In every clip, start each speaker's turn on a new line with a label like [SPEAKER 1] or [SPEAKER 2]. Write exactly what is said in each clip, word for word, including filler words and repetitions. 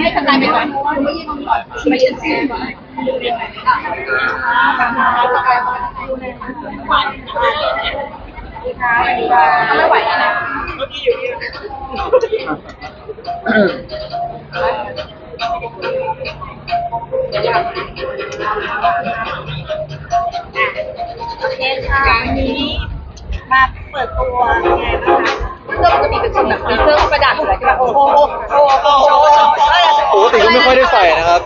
[SPEAKER 1] ให้ทำงานไปก่อนไม่ยืนก่อนไม่ยืนซีก่อนไม่ไหวแล้วนะเมื่อกี้อยู่ที่โอเคค่ะวันนี้มาเปิดตัวไงบ้างคะเพื่อปกติเป็นคนแบบมีเครื่องประดับอะไรใช่ไหมโอ้โหโอ้โหโอ้โห
[SPEAKER 2] ปกติก็ไม่ค่อยได้ใส่นะครับ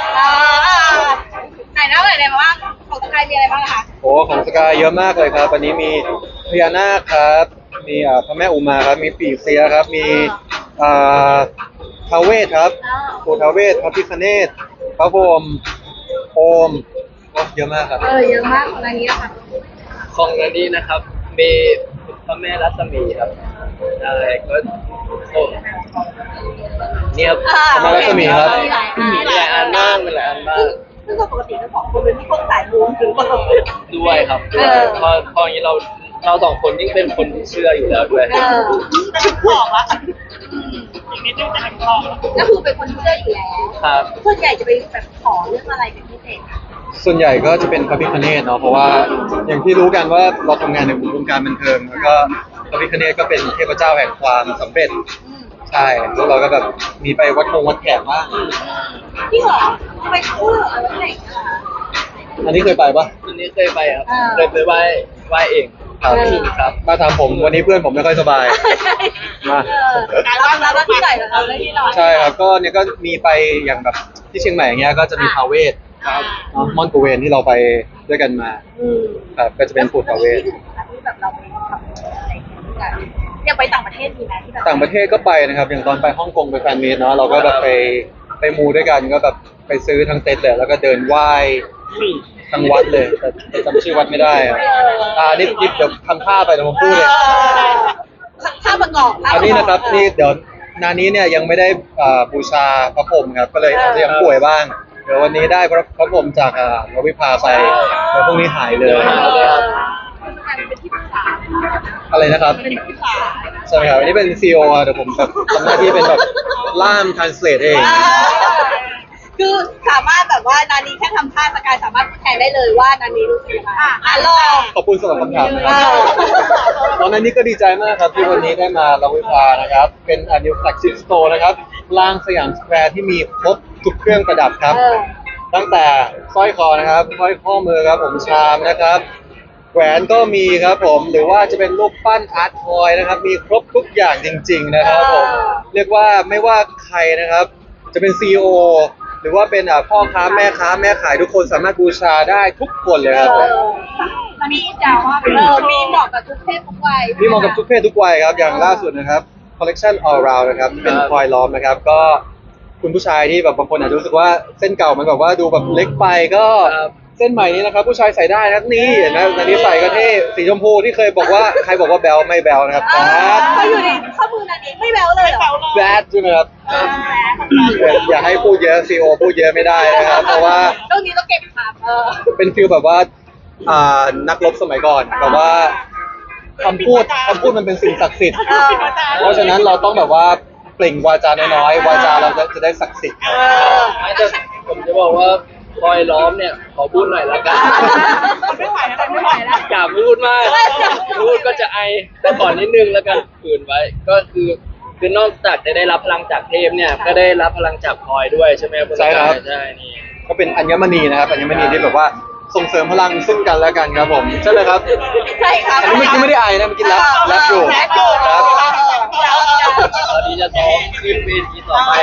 [SPEAKER 1] ไหนนะไหนๆมาบ้างของสกายมีอะไรบ้างคะ
[SPEAKER 2] โอ้ของสกายเยอะมากเลยครับวันนี้มีพญานาคครับมีพระแม่อุมาครับมีปีเสียครับมีท้าวเวสครับปู่ท้าวเวสพระพิฆเนศพระพรหมโอมเยอะมากครับ
[SPEAKER 1] เออเยอะมากของอันนี้ค่ะ
[SPEAKER 3] ของอันนี้นะครับมีพระแม่รัศมีครับอะไรก็โอ้เนี่ยครับ
[SPEAKER 2] พระแม่รัศมีครับ
[SPEAKER 1] มีหลายอัน
[SPEAKER 3] มีหลายอันมากมีหลายอันมาก
[SPEAKER 1] ซึ่งปกติทั้งสองคนเป็นที่คนสายมูถึงเปล่า
[SPEAKER 3] ด้วยครับพอพออย่างนี้เราเราสองคนยิ่งเป็นคนที่เชื่ออยู่แล้วด้วย
[SPEAKER 1] จะถึงบอกละอีกนิดนึงจะถึงบอกก็คือเป็นคนเชื่ออยู่แล้ว
[SPEAKER 3] ครับ
[SPEAKER 1] ส่วนใหญ่จะไปแบบขอเรื่องอะไรเป็นพิเศษ
[SPEAKER 2] ส่วนใหญ่ก็จะเป็นพระพิฆเนศเนาะเพราะว่าอย่างที่รู้กันว่าเราทำงานในวงการบันเทิงแล้วก็พระพิฆเนศก็เป็นเทพเจ้าแห่งความสำเร็จใช่แล้วเราก็แบบมีไปวัดคงวัดแขกบ้าง
[SPEAKER 1] ที่หรอไปคู่เหรออะไรไหน
[SPEAKER 2] อันนี้เคยไปปะ
[SPEAKER 3] อันนี้เคยไปครับเคยไปไหว้ไหว้เอง
[SPEAKER 2] ครับ
[SPEAKER 3] ครับ
[SPEAKER 2] มาถามผมวันนี้เพื่อนผมไม่ค่อยสบาย
[SPEAKER 1] มาการรับรับที่ไหนนะครับที่ไหน
[SPEAKER 2] ใช่ครับก็เนี่ยก็มีไปอย่างแบบที่เชียงใหม่อย่างเงี้ยก็จะมีท้าวเวสครับม่อนกูเวนที่เราไปด้วยกันมาครับก็จะเป็นปู่ท้าวเวส
[SPEAKER 1] ที่แบบเราไปทำอะไรกันอยากไปต่างประเทศมีไหมที่แบบ
[SPEAKER 2] ต่างประเทศก็ไปนะครับอย่างตอนไปฮ่องกงไปแฟนมีตเนาะเราก็แบบไปไปมูด้วยกันก็แบบไปซื้อทั้งเต็นท์เลยแล้วก็เดินไหว้ทั้งวัดเลยแต่จำชื่อวัดไม่ได้อ่านี่นี่เดี๋ยวทำท่าไปเดี๋ยวผมพูดเลย
[SPEAKER 1] ท่าประกอบ
[SPEAKER 2] อันนี้นะครับนี่เดี๋ยวนานี้เนี่ยยังไม่ได้บูชาพระพรหมครับก็เลยอาจจะยังป่วยบ้างเดี๋ยววันนี้ได้พระพรหมจากเราวิภาไปเดี๋ยวพรุ่งนี้หายเลยอะไรนะครับใช่ไหมครับวันนี้เป็นซีอีโอเดี๋ยวผมแบบทำหน้าที่เป็นแบบล่ามทรานสเลทเอง
[SPEAKER 1] คือสามารถแบบว่านานีแค่ทำท่าสกายสามารถพูดแทนได้เลยว่านานีรู้สึกยังไงอ่ะลอง
[SPEAKER 2] ขอบคุณสำหรับคำถามนะครับตอนนั้นนี่ก็ดีใจมากครับที่วันนี้ได้มาเราวิภานะครับเป็นอันนิวแฟลกชิพสโตร์นะครับลางสยามสแควร์ที่มีครบทุกเครื่องประดับครับตั้งแต่สร้อยคอนะครับสร้อยข้อมือครับผมชามนะครับแหวนก็มีครับผมหรือว่าจะเป็นรูปปั้นอาร์ตทอยนะครับมีครบทุกอย่างจริงๆนะครับผมเรียกว่าไม่ว่าใครนะครับจะเป็น ซี อี โอ หรือว่าเป็นพ่อค้าแม่ค้าแม่ขายทุกคนสามารถบูชาได้ทุกคนเลยครับ
[SPEAKER 1] มีเจ้าว่าเออมีเหมาะกับทุกเพศทุกวัย
[SPEAKER 2] มีเหมาะกับทุกเพศทุกวัยครับอย่างล่าสุดนะครับ collection all round นะครับเป็นพลอยล้อมนะครับก็คุณผู้ชายที่แบบบางคนอาจจะรู้สึกว่าเส้นเก่ามันแบบว่าดูแบบเล็กไปก็เส้นใหม่นี้นะครับผู้ชายใส่ได้นะนี่เห็นไหมอันนี้ใส่ก็เท่สีชมพูที่เคยบอกว่าใครบอกว่าแบลไม่แบลนะครับแบ
[SPEAKER 1] ดเขาอยู่ในข้อมูลอันนี้ไม่แบลเลยเหรอ
[SPEAKER 2] แบดใช่ไหมครับอย่าให้พูดเยอะซีโอพูดเยอะไม่ได้นะครับเพราะว่า
[SPEAKER 1] เรื่องนี้ต้องเก็บครับ
[SPEAKER 2] เป็นฟิลแบบว่าอ่านักรบสมัยก่อนแบบว่าคำพูดคำพูดมันเป็นสิ่งศักดิ์สิทธิ์เพราะฉะนั้นเราต้องแบบว่าเปล่งวาจาน้อยๆวาจาเราจะได้ศักดิ์สิทธิ์
[SPEAKER 3] แต่ผมจะบอกว่าพลอยล้อมเนี่ยขอพูดหน่อยละกัน
[SPEAKER 1] ไม่ไหวแล้วไม่ไหวแล้ว
[SPEAKER 3] อย่าพูดมากพูดก็จะไอแต่ก่อนนิดนึงแล้วกันฝืนไว้ก็คือคือนอกจากจะได้รับพลังจากเทพเนี่ยก็ได้รับพลังจากพลอยด้วยใช่ไหมครับ
[SPEAKER 2] ใช่ครับ
[SPEAKER 3] ใช่นี่
[SPEAKER 2] ก็เป็นอัญมณีนะครับอัญมณีที่แบบว่าส่งเสริมพลังซึ่งกันและกันครับผมใช่เลยครับ
[SPEAKER 1] ใช่ครับ
[SPEAKER 2] อันนี้เมื่อกี้ไม่ได้ไอนะเมื่อกี้รับรับอยู่ครับ
[SPEAKER 3] ตอนนี้จะซ้อมขึ้นเวทีต่อไป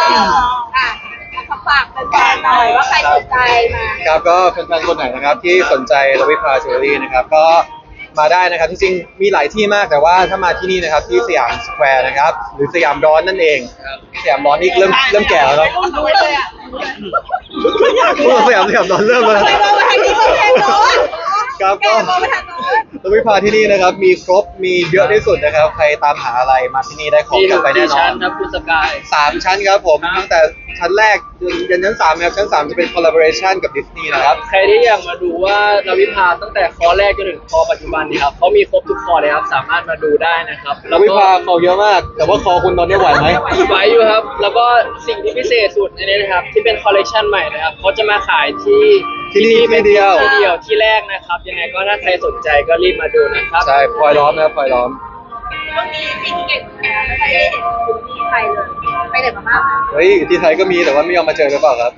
[SPEAKER 1] ฝากแฟนๆหน่อยว่าใครสนใจมา
[SPEAKER 2] ครับก็แฟนๆคนไหนนะครับที่สนใจเราวิภาจิวเวลรี่นะครับก็มาได้นะครับจริงๆมีหลายที่มากแต่ว่าถ้ามาที่นี่นะครับที่สยามสแควร์นะครับหรือสยามร้อนนั่นเองสยามร้อนนี่เริ่มเริ่มแก่แล้วครับสยามสยามร้อนเริ่มแล้วครับก็เราวิภาที่นี่นะครับมีครบมีเยอะที่สุดนะครับใครตามหาอะไรมาที่นี่ได้ของกลับไปแน่นอน
[SPEAKER 3] ชั้นครับคุณสกาย
[SPEAKER 2] สามชั้นครับผมตั้งแต่ชั้นแรกยันชั้นสามนะครับชั้นสามจะเป็น collaboration กับดิสนีย์นะครับ
[SPEAKER 3] ใครที่อยากมาดูว่านาวิภาตั้งแต่คอแรกจนถึงคอปัจจุบันนี้ครับเขามีครบทุกคอเลยครับสามารถมาดูได้นะครับ
[SPEAKER 2] แล้ววิภาเขาเยอะมาก แต่ว่าคอคุณตอนนี้ไหวไหม
[SPEAKER 3] ไหวอยู่ครับ แล้วก็สิ่งที่พิเศษสุดอันนี้นะครับที่เป็นคอลเลกชันใหม่นะครับเขาจะมาขายที่
[SPEAKER 2] ที่นี่ที่เดียว
[SPEAKER 3] ที่เดียวที่แรกนะครับยังไงก็ถ้าใครสนใจก็รีบมาดูนะครับ
[SPEAKER 2] ใช่พลอยล้อมนะครับพลอยล้อม
[SPEAKER 1] ช่วงนี้ฟินเก่งแก่ไม่ค่อยได้เห็นคุณที่ไทยเลยไปไหนมาบ้างคะ
[SPEAKER 2] เฮ้ยที่ไทยก็มีแต่ว่าไม่ยอมมาเจอหรือเปล่าครับ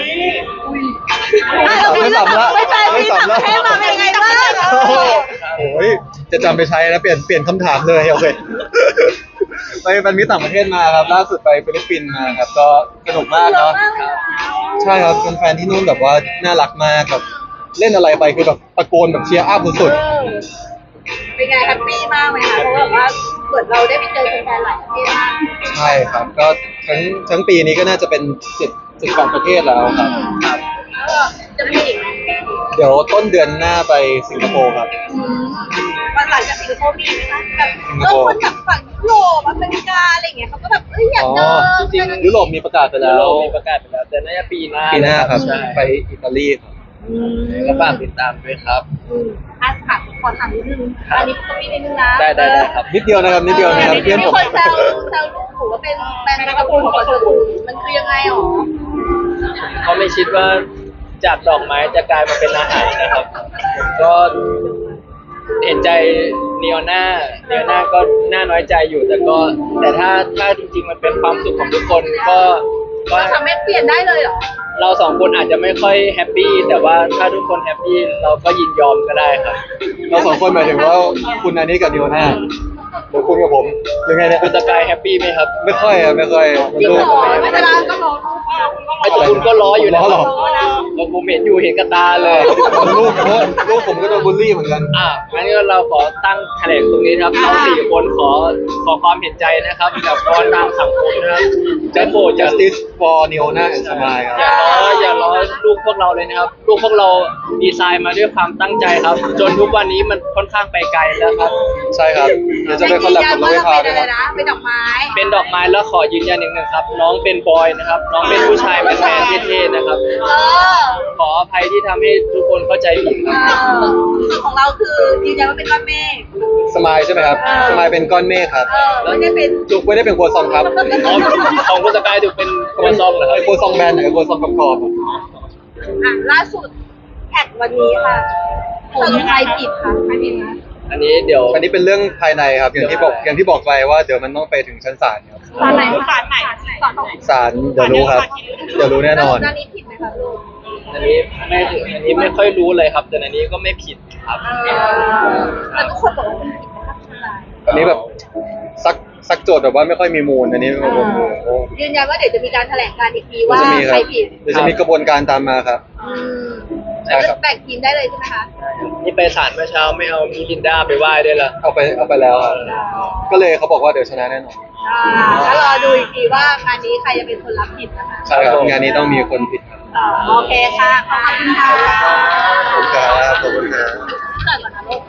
[SPEAKER 2] ไม่สำละ
[SPEAKER 1] ไม่ใช่
[SPEAKER 2] ไม่
[SPEAKER 1] พี่
[SPEAKER 2] สำละ
[SPEAKER 1] ต่างประเทศมาเป็นยังไงบ้าง
[SPEAKER 2] โอ้ยจะจำไปใช้แล้วเปลี่ยนเปลี่ยนคำถามเลยโอเคไปเป็นมิตรต่างประเทศมาครับล่าสุดไปฟิลิปปินส์มาครับก็สนุกมากเนาะใช่ครับแฟนๆที่นู่นแบบว่าน่ารักมากแบบเล่นอะไรไปคือแบบตะโกนแบบเชียร์อัพสุด
[SPEAKER 1] เป็นไงแฮปปี้มากไหมคะเพราะแบบว่าเหมือนเราได้ไปเจอแฟนๆหลายประเทศมาก
[SPEAKER 2] ๆใช่ครับก็ทั้งทั้งปีนี้ก็น่าจะเป็นสิบสิบแปดประเทศแล้วครับครับ
[SPEAKER 1] แล้วก็จะมีอีกไหม
[SPEAKER 2] เดี๋ยวต้นเดือนหน้าไปสิงคโปร์ครับ
[SPEAKER 1] อืมวันหลังจากสิงคโปร์มีไหมคะแบบ
[SPEAKER 2] สิงค
[SPEAKER 1] เออ
[SPEAKER 2] โปร์
[SPEAKER 1] คนจากฝั่งยุโรปอเมริกาอะไรอย่างเงี้ยเขาก็แบบเอ้ยอยากเจอ
[SPEAKER 3] จริง
[SPEAKER 2] ยุโรปมีประกาศไป
[SPEAKER 3] ยุ
[SPEAKER 2] แล้
[SPEAKER 3] โร
[SPEAKER 2] ว
[SPEAKER 3] ปมีประกาศไปแล้วแต่น่าจะปีหน้า
[SPEAKER 2] ปีหน้าครับ
[SPEAKER 3] ใช่
[SPEAKER 2] ไปอิตาลีครับ
[SPEAKER 1] อืม
[SPEAKER 3] ก็ฝากติดตามด้วยครับ
[SPEAKER 1] อืมอ่ะถามขอถามนิดนึง
[SPEAKER 3] ครับ
[SPEAKER 1] อันนี้ก็มีนิดนึงนะ
[SPEAKER 3] ได้ได้ได้ครับ
[SPEAKER 2] นิดเดียวนะครับนิดเดียวนะครับเพื่อน
[SPEAKER 1] มี
[SPEAKER 2] ผม
[SPEAKER 1] คนแซวแซวลูกหนูว่าเป็นแมงกะพรุนของคนอื่นมันคือยังไงหรอ
[SPEAKER 3] เขาไม่คิดว่าจากดอกไม้จะกลายมาเป็นอาหารนะครับผมก็เห็นใจเนียน่าเนียน่าก็น่าน้อยใจอยู่แต่ก็แต่ถ้าถ้าจริงๆมันเป็นความสุขของทุกคนก็ก็
[SPEAKER 1] เราทำให้เปลี่ยนได้เลยเหรอ
[SPEAKER 3] เราสองคนอาจจะไม่ค่อยแฮปปี้แต่ว่าถ้าทุกคนแฮปปี้เราก็ยินยอมก็ได้ครับ
[SPEAKER 2] เราสองคนหมายถึงว่าคุณอันนี้กับดิโอน่าหรือคุณกับผมหรือไงเนี่ย
[SPEAKER 3] คุณสกายแฮปปี้ไหมครับ
[SPEAKER 2] ไม่ค่อยอะไม่ค่อย
[SPEAKER 1] จริง
[SPEAKER 2] ลู
[SPEAKER 1] เห
[SPEAKER 2] ก
[SPEAKER 1] รอไม่เป็นไรก็รอ
[SPEAKER 3] ไอ้ตัวคุณก็ล้ออยู่นะ
[SPEAKER 2] ล้อเหรอ
[SPEAKER 3] เราผมเห็นอยู่เห็นกระตาเลย
[SPEAKER 2] ลูกผมลูกผมก็โดนบูลลี่เหมือนกัน
[SPEAKER 3] อ่ะงั้นก็เราขอตั้งแถลงตรงนี้นะครับเราสี่คนขอขอความเห็นใจนะครับกับกรทางสังคมนะครับจะโปรดจะ
[SPEAKER 2] justice for Neona and Smile ครับ
[SPEAKER 3] อย่าล้ออย่าล้อลูกพวกเราเลยนะครับ ลูกพวกเราดีไซน์มาด้วยความตั้งใจครับ จนทุกวันนี้มันค่อนข้างไปไกลแล้วครับ
[SPEAKER 2] ใช่ครับเดี๋ยวจะไปคอลแลบกับน้องเวทาด้วย
[SPEAKER 1] เป็น
[SPEAKER 2] ค
[SPEAKER 1] อะ
[SPEAKER 2] รับ
[SPEAKER 1] ไรนะเป็นดอกไม้
[SPEAKER 3] เป็นดอกไม้แล้วขอยืนยันอีกหนึ่งครับ น้องเป็นบอยนะครับ น้องเป็นผู้ชายแมนๆเท่ๆนะครับ
[SPEAKER 1] เออ
[SPEAKER 3] ขออภัยที่ทำให้ทุกคนเข้าใจผิดครับ
[SPEAKER 1] เออส่วนของเราคือยืนยันว่าเป็นก้อนเมฆ
[SPEAKER 2] สมายใช่ไหมครับ
[SPEAKER 1] เออ
[SPEAKER 2] สมายเป็นก้อนเมฆครับ
[SPEAKER 1] เออไม่ได้เป็น
[SPEAKER 2] จุกไม่ได้เป็นครัวซองครับ
[SPEAKER 3] อ๋อของคุณสกายถูกเป็นครัวซองเหรอครับ
[SPEAKER 2] ไอ้ครัวซองแบนหรือไอ้ครัวซองกรอบๆอะ
[SPEAKER 1] อ่ะล่าสุดแท็กวันนี้ค่ะสรุปใครผิดคะใครผิดคะ
[SPEAKER 3] อันนี้เดี๋ยว
[SPEAKER 2] อันนี้เป็นเรื่องภายในครับอย่างที่บอกอย่างที่บอกไปว่าเดี๋ยวมันต้องไปถึงชั้นศาลครับ
[SPEAKER 1] สารไหนสารไหนสารไหน
[SPEAKER 2] ศาลเดี๋ยวรู้ครับเดี๋ยวรู้แน่นอน
[SPEAKER 1] ด้านนี้ผิดไหมคะลูก
[SPEAKER 3] อันนี้ไม่อันนี้ไม่ค่อยรู้เลยครับ แต่อันนี้ก็ไม่ผิดครับ
[SPEAKER 1] แต่ทุกคนบอกว่ามันผิดนะคะคุณนาย
[SPEAKER 2] อันนี้แบบซักซักโจทย์แบบว่าไม่ค่อยมีมูลอันนี้โอ้โห
[SPEAKER 1] ยืนยันว่าเดี๋ยวจะมีการแถลงการอีกที
[SPEAKER 2] เดี๋ยว
[SPEAKER 1] ว่า
[SPEAKER 2] จะมีค
[SPEAKER 1] ใคร
[SPEAKER 2] รับ
[SPEAKER 1] ผิด
[SPEAKER 2] เดี๋ยวจะมีกระบวนการตามมาครับ
[SPEAKER 1] อืม
[SPEAKER 2] ใช่ครับ
[SPEAKER 1] แบ่งทีมได้เลยใช่ไหมคะ
[SPEAKER 3] นี่ไปศาลเมื่อเช้าไม่เอามีลินดาไปไหว้ด้วยล่ะ
[SPEAKER 2] เอาไปเอาไปแล้วครับก็เลยเขาบอกว่าเดี๋ยวชนะแน่นอน
[SPEAKER 1] อ่าแล้วรอดูอีกทีว่างานนี้ใครจะเป็นคนรับผิดนะคะ
[SPEAKER 2] ใช่ครับงานนี้ต้องมีคนผิดครับ
[SPEAKER 1] อ่าโอเคค่ะ ขอบคุณค่ะ
[SPEAKER 2] ขอบคุณครับขอบคุณครับ
[SPEAKER 1] เกิดก่อนนะลู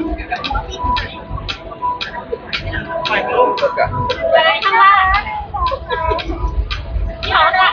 [SPEAKER 1] ก
[SPEAKER 2] ไปลูกกัน
[SPEAKER 1] ไปข้างล่างที่เขาเนี่ย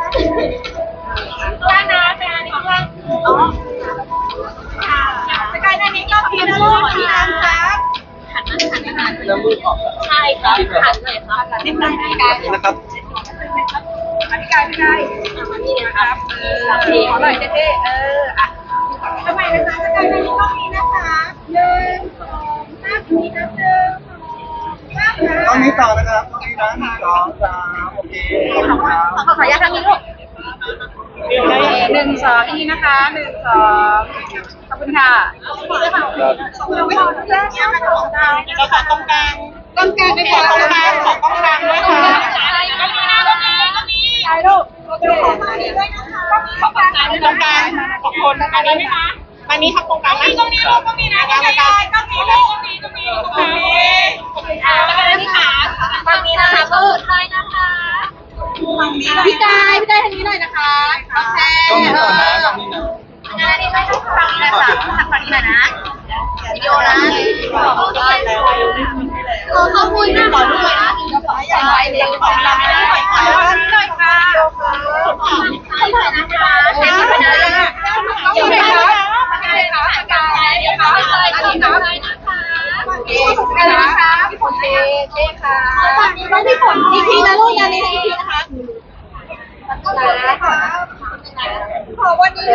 [SPEAKER 1] ข้างล่างนะไปงานนี้ข้างล่างอ๋อค่ะสกายนานี้ก็ทีมลูกที่นั่นครับหันมาหันมาหัน
[SPEAKER 3] แล้วมือออก
[SPEAKER 1] ใช่ครับหันเลยครับหันไปกาย
[SPEAKER 2] นะครับ
[SPEAKER 1] พี่กายพี่กายมานี่นะครับเออพี่ขอหน่อยเท่ๆเอออ่ะทำไมนะคะสกายนานี้ต้องมีนะคะหนึ่งสองสามสี่นะหนึ่งสองสาม
[SPEAKER 4] ตอนนี้ต่อนะครับตอนนี้นะหนึ่งสองสามโอเคขอบคุณครับ
[SPEAKER 1] ขอขออนุญาตทางนี้ลูกหนึ่งสองอีกนะคะหนึ่งสองขอบคุณค่ะ
[SPEAKER 2] ครับ
[SPEAKER 1] เราไม่เอาเรื่องนี้มาตรงกลางเราขอตรงกลางตรงกลางด้วยค่ะตรงกลางขอตรงกลางด้วยค่ะก็มีนะก็มีก็มีใช่ลูกโอเคขอตรงนี้ด้วยนะคะก็มีขอตรงกลางตรงกลางขอบคุณอันนี้ไหมคะอันนี้ครับตรงกลางนะตรงนี้ลูกก็มีนะก็มีก็มีลูกก็มีก็มีก็มีขอบคุณค่ะแล้วก็นี่ค่ะตรงนี้นะคะก็สุดท้ายนะคะพี่กายพี่กายทางนี้หน่อยนะคะโอเค
[SPEAKER 4] ต้องนี้ก่อนนะต้องนี้นะ
[SPEAKER 1] งานนี้ไม่ใช่ทางนี้นะจ๊ะทางฝั่งนี้หน่อยนะวิดีโอนะขอขอบคุณนะขอด้วยนะใหญ่ใหญ่เลยขอเราไม่ได้ขอขอหน่อยค่ะ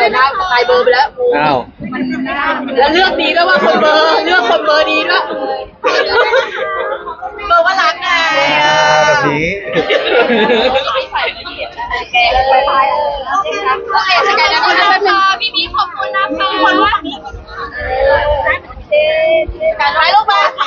[SPEAKER 1] หน้าตายเบอร์ไปแล้ว
[SPEAKER 2] อ้าว
[SPEAKER 1] แล้วเลือกดีด้วยว่าคนเบอร์เลือกคนเบอร์ดีด้วยเบอร์ว่ารักไง
[SPEAKER 2] แบบนี้
[SPEAKER 1] ใส่ไม่เห็นแกเลยไปโอเคครับโอเคสกายนะคุณนะคะพี่พี่ขอบคุณนะคะคนว่าการไว้ลูกมา